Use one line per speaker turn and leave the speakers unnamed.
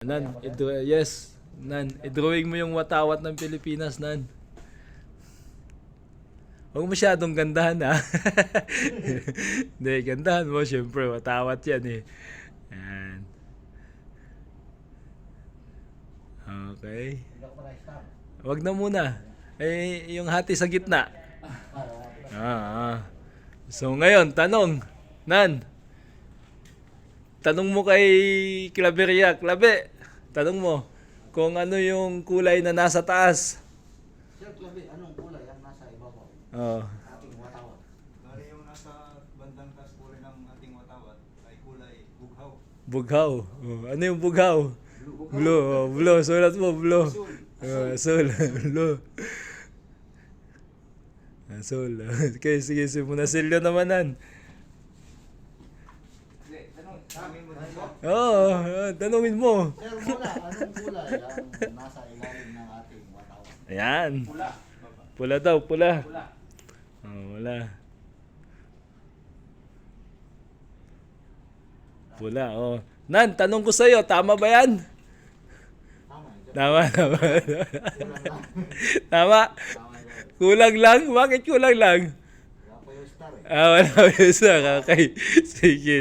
Nan, yes. Nan, i-drawing mo yung watawat ng Pilipinas, Nan. Huwag masyadong gandahan, ha? Hindi, gandahan mo. Siyempre, watawat yan, eh. Yan. Okay. Huwag na muna. Eh, yung hati sa gitna. So, ngayon, tanong. Nan, tanong mo kay Claveria. Clave, tanong mo kung ano yung kulay na nasa taas.
Sir Clave, anong kulay ang nasa ibabaw?
Oh.
Ating watawat.
Bali yung nasa bandang taas po rin ng ating watawat ay kulay bughaw.
Bughaw. Oh, ano yung bughaw? Blue. Oh, blue. Sulat mo, blue. Asul. Blue. Asul. Okay, sige. Muna silyo namanan.
Hindi, tanong, sabi mo dito.
Oo, tanongin mo.
Sir, muna, anong kulay ang nasa ilalim ng ating watawat?
Ayan.
Pula.
Pula daw, pula.
Pula.
Oh, wala. Pula, oh. Nan, tanong ko sa'yo, tama ba yan?
Tama, sir.
Tama.
Kulang lang.
Tama.
Tama, sir.
Kulang lang? Bakit kulang lang?
Wala pa yung star eh.
Wala pa isa. Okay. Sige.